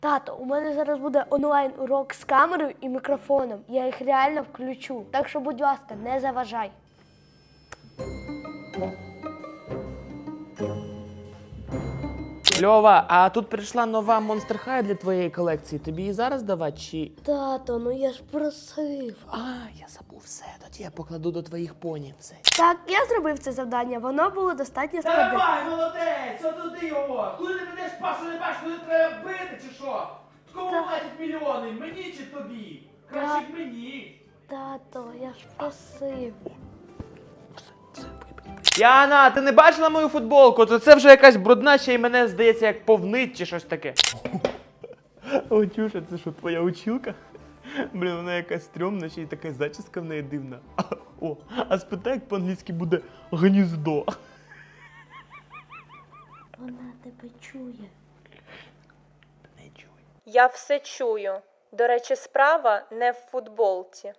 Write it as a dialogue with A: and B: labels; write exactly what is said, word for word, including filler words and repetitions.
A: Тато, у мене зараз буде онлайн-урок з камерою і мікрофоном. Я їх реально включу. Так що, будь ласка, не заважай.
B: Льова, а тут прийшла нова Monster High для твоєї колекції. Тобі її зараз давати чи...
A: Тато, ну я ж просив.
B: А, я забув все. Тоді я покладу до твоїх поні все.
A: Так, я зробив це завдання, воно було достатньо складне.
C: Давай, молодець! Отуди його! Куди ти підеш, Пашу, не бачиш, куди треба бити, чи що? Кому
A: Так.
C: платять мільйони? Мені чи тобі? Краще б мені.
A: Тато, я ж просив.
B: Яна, ти не бачила мою футболку? То це вже якась брудна, ще й мене, здається, як повнить чи щось таке. О, Тюша, це що, твоя училка? Блін, вона якась стрьомна, ще й така зачіска в неї дивна. О, а спитай, як по-англійськи буде гніздо.
A: Вона тебе чує.
B: Не чуй.
D: Я все чую. До речі, справа не в футболці.